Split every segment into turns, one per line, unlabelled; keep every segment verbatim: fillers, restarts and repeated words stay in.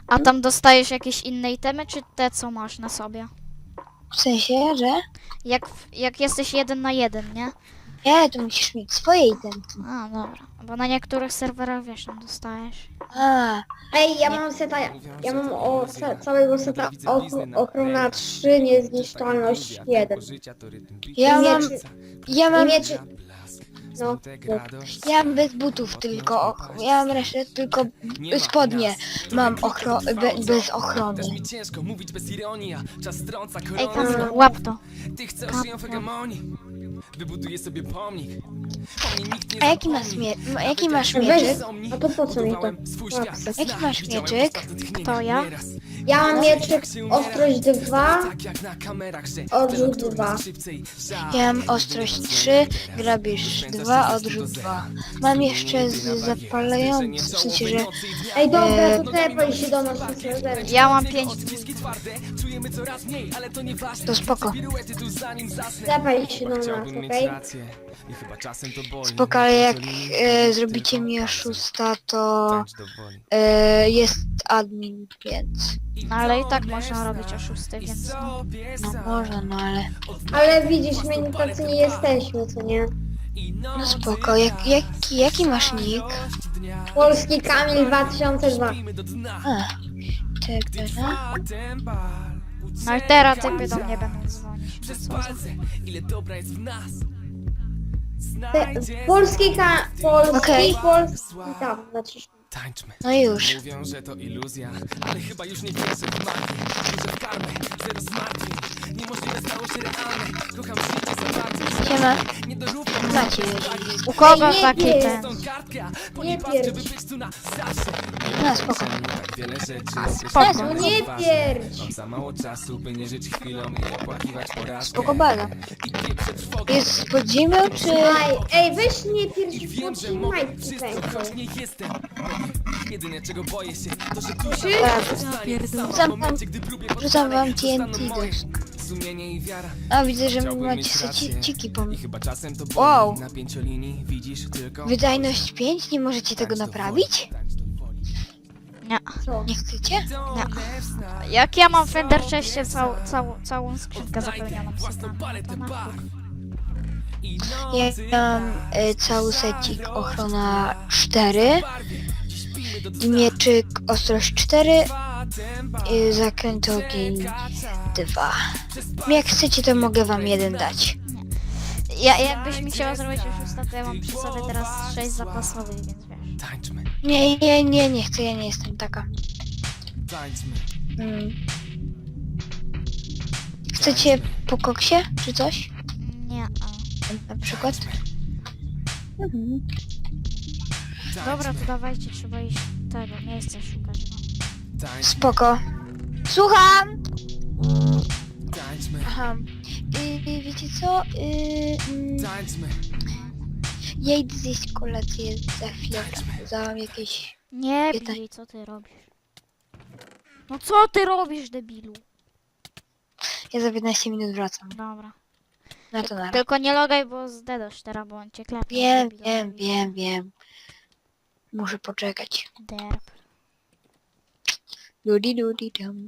A tam dostajesz jakieś inne itemy, czy te, co masz na sobie?
W sensie, że?
Jak, jak jesteś jeden na jeden, nie?
Nie, to musisz mieć swoje itemki.
A, dobra. Bo na niektórych serwerach, wiesz, tam dostajesz.
A,
Ej, ja mam seta, ja mam o, ca, całego seta ochro- ochrona trzy, niezniszczalność jeden.
ja
I
mam,
mieczy,
ja
i
mam,
mieczy, no,
ja mam bez butów tylko, och- ja mam resztę tylko spodnie. Mam ochro, be, bez ochrony.
Ej, Kacper, łap to.
Wybuduję sobie pomnik.
A jaki masz, mie jaki masz
weź,
mieczyk?
a to po co mi to?
Jaki masz mieczyk?
Kto, ja?
Ja mam mieczyk ostrość dwa, odrzut dwa.
Ja mam ostrość trzy, grabisz dwa, odrzut dwa. Mam jeszcze z zapalający, w sensie, że
Ej, dobra,
Eee.
to tepaj się do nas na serwer.
Ja mam pięć.
to spoko.
Tepaj się do nas, okej?
Spoko, ale jak e, zrobicie mi oszusta, to e, jest admin, więc
No ale i tak można robić oszusty, więc no.
no może, no ale
Ale widzisz, my tacy nie jesteśmy, co nie?
no spoko. Jak, jaki, jaki masz nick?
Polski Kamil dwa tysiące dwa.
A, tak, no.
No i teraz typy do mnie będą dzwonić. No co za-
Te, polski Ka... Polski,
Okej.
polski... Tam, naciśnij.
Tańczmy.
No już.
Mówią, że to iluzja, ale chyba już nie wierzę w magię. Wierzę w karmę, zero zmartwień. Niemożliwe stało się realne. Kocham życie za bardzo.
Siema.
Nie dorównam
Macie.
U kogo
Ej, nie
taki
pierdź.
ten?
tą kartka. Po
Nie
niej patrzę, by
pierdź.
być tu na zawsze.
No spoko.
Tak wiele rzeczy.
Spoko.
No nie pierdź.
Mam za mało czasu, by nie żyć chwilą i opłakiwać porażkę.
Spoko baza.
I pieprze trwogę.
Jest z podziemią, czy...
Ej, ej, weź nie pierdź
I
w
wiem, że
pod
mogę
majtki
wszystko,
pękły.
choć nie jestem. Jedyne czego boję się, to że tu
Czy?
Rzucam wam, rzucam wam T N T też.
Sumienie i wiara.
A widzę, że
Chciałbym
macie
mieć
se
rację.
ci- ciki po
I
mnie.
chyba czasem to boli.
Wow.
Na pięciolinii widzisz tylko
Wydajność pięć? Nie możecie tego
tańcz do
naprawić?
woli, tańcz do woli.
Nie.
Co?
Nie chcecie?
Jak ja mam w Ender Chestie cał, cał, całą skrzynkę zapełnioną sypami, to na chuj.
Ja mam e, cały secik ochrona cztery, mieczyk ostrość cztery, i zakręt ogień dwa. Jak chcecie, to mogę wam jeden dać.
Ja, jakbyś mi chciała zrobić oszusta, to ja mam przy sobie teraz sześć zapasowych, więc wiesz.
Tańczmy,
Nie, nie, nie, nie chcę, ja nie jestem taka.
tańczmy.
Mm. Chcecie po koksie, czy coś?
Nie, a.
Na przykład? Mhm.
Dobra, to dawajcie, trzeba iść tego miejsca szukać. No.
Tańczmy,
Spoko. Słucham!
tańczmy,
Aha. Y, wiecie co? Y, mm,
tańczmy.
ja idę zjeść kolację za chwilę. Za jakieś...
Nie
Pytań.
bij, co ty robisz? No co ty robisz, debilu?
Ja za piętnaście minut wracam.
Dobra.
Na to na razie.
Tylko nie logaj, bo zdedasz teraz, bo on cię klepie.
Wiem,
debilu.
wiem, wiem, wiem. Muszę poczekać.
Derp.
Ludi, ludi, dum.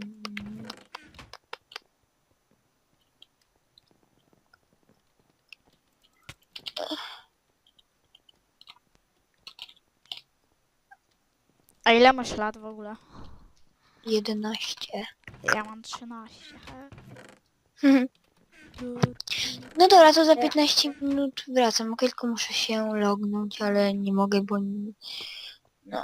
A ile masz lat w ogóle?
jedenaście.
Ja mam trzynaście.
No dobra, to za piętnaście minut wracam. Ok, tylko muszę się lognąć, ale nie mogę, bo... nie- No.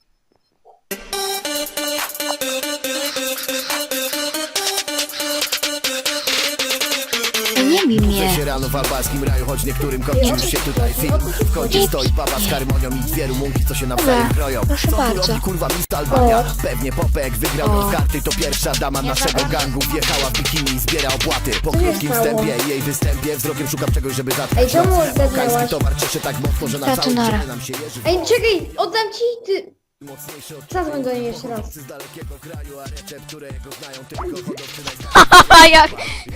Nie bij mnie.
Budzę się rano w albańskim raju, choć niektórym kończy już się tutaj film. W kącie stoi baba z harmonią i dwie rumunki, co się nawzajem
Dobra,
kroją.
proszę
Co tu
bardzo.
robi kurwa Miss Albania? Pewnie Popek wygrał
O.
w karty, to pierwsza dama naszego gangu. Wjechała w bikini i zbiera opłaty. Po krótkim
stało?
wstępie i jej występie wzrokiem szukam czegoś, żeby
Ej,
zatkać
czemu
nos.
oddadłaś?
Afgański towar cieszy tak mocno, że na
Tato,
całym
nara.
ciele nam się jeży.
Ej, czekaj, oddam ci ty...
Mocniejszy od
Zadzwoń do niej jeszcze raz.
z dalekiego kraju, a recepturę jego znają tylko hodowcy
A jak?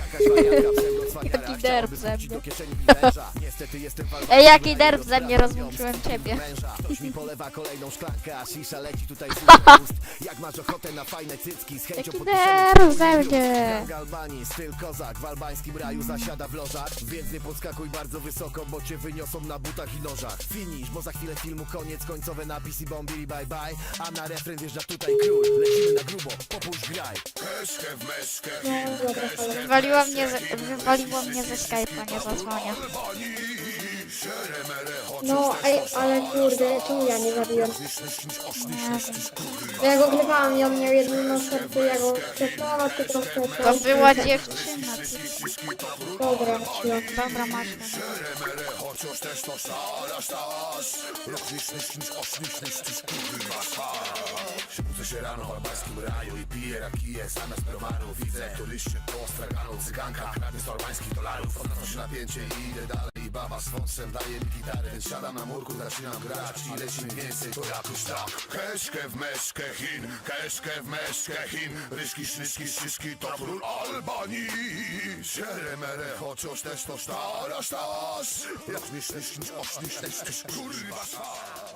Jaki
derb ze mnie.
do kieszeni węża. Niestety jestem walką
Ej, jaki derb ze mnie, rozłączyłem ciebie.
męża. Ktoś mi polewa kolejną szklankę, a shisha leci tutaj z ust. Jak masz ochotę ochotę na fajne cycki, z chęcią
Jaki
podpiszemy
nerw
twój
ze
lub.
mnie.
Gang Albanii, styl kozak, w albańskim raju zasiada w lożach. Więc nie podskakuj bardzo wysoko, bo cię wyniosą na butach i nożach. Finish, bo za chwilę filmu koniec, końcowe napisy bombili bye bye. A na refren wjeżdża tutaj król, lecimy na grubo, popuść graj.
No dobra, ale...
Wywaliło mnie, ze, wywaliło mnie ze Skype'a, nie zadzwonię.
No, ej, ale kurde, czemu ja nie zabiłem?
Nie wiem.
Bo ja go grywałam i on miał jedno serce, ja go przekonałam, ty troszkę...
To była dziewczyna.
Dobra, cicho.
Dobra, masz.
Budzę się rano w albańskim raju i piję rakije zamiast browaru. Widzę turyście po straganą cyganka, kradnie sto albańskich dolarów. Odnoszę się napięcie i idę dalej. I baba z fonsem daje mi gitarę, więc siadam na murku, zaczynam grać i leci mi więcej, to jakoś tak. Keszkę w meszkę Chin, keszkę w meszkę Chin. Ryszki, sznyszki, szyszki, to król Albanii. Szeremere, chociaż też to sztara, sztasz. Jak mi sznysz, sznysz, osznysz, kurwa.